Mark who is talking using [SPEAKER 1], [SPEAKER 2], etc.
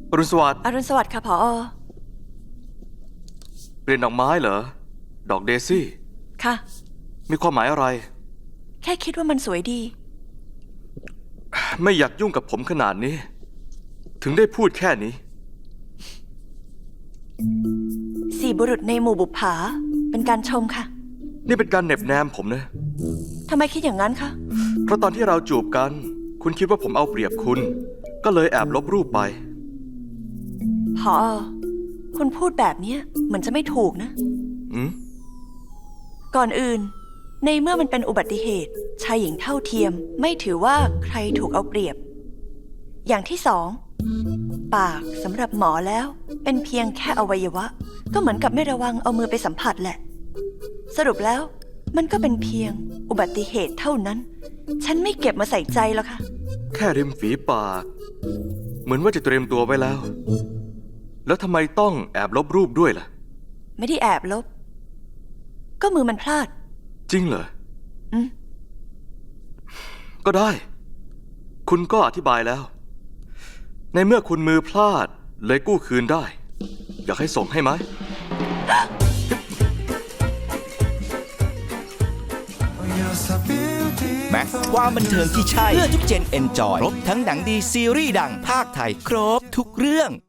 [SPEAKER 1] อรุณสวัสดิ์
[SPEAKER 2] อรุณสวัสดิ์ค่ะผอ.
[SPEAKER 1] เปลี่ยนดอกไม้เหรอ ดอกเดซี่
[SPEAKER 2] ค่ะ
[SPEAKER 1] มีความหมายอะไร
[SPEAKER 2] แค่คิดว่ามันสวยดี
[SPEAKER 1] ไม่อยากยุ่งกับผมขนาดนี้ ถึงได้พูดแค่นี้
[SPEAKER 2] สี่บุรุษในหมู่บุปผาเป็นการชมค่ะ
[SPEAKER 1] นี่เป็นการเหน็บแนมผมนะ
[SPEAKER 2] ทำไมคิดอย่างนั้นคะ
[SPEAKER 1] เพราะตอนที่เราจูบกัน คุณคิดว่าผมเอาเปรียบคุณ ก็เลยแอบลบรูปไป
[SPEAKER 2] ผอ.คุณพูดแบบนี้เหมือนจะไม่ถูกนะ
[SPEAKER 1] อืม
[SPEAKER 2] ก่อนอื่น ในเมื่อมันเป็นอุบัติเหตุชายหญิงเท่าเทียมไม่ถือว่าใครถูกเอาเปรียบ อย่างที่สอง ปากสำหรับหมอแล้วเป็นเพียงแค่อวัยวะ ก็เหมือนกับไม่ระวังเอามือไปสัมผัสแหละ สรุปแล้วมันก็เป็นเพียงอุบัติเหตุเท่านั้น ฉันไม่เก็บมาใส่ใจหรอกค่ะ
[SPEAKER 1] แค่ริมฝีปาก เหมือนว่าจะเตรียมตัวไว้แล้ว แล้วทำไมต้องแอบลบรูปด้วยล่ะ
[SPEAKER 2] ไม่ได้แอบลบ ก็มือมันพลาด
[SPEAKER 1] จริงเหรอ
[SPEAKER 2] อืม
[SPEAKER 1] ก็ได้ คุณก็อธิบายแล้ว ในเมื่อคุณมือพลาดเลยกู้คืนได้ อยากให้ส่งให้ไหม
[SPEAKER 3] แม็กซ์ความบันเทิงที่ใช่เพื่อทุกเจนเอนจอยครบทั้งหนังดีซีรีส์ดังภาคไทยครบทุกเรื่อง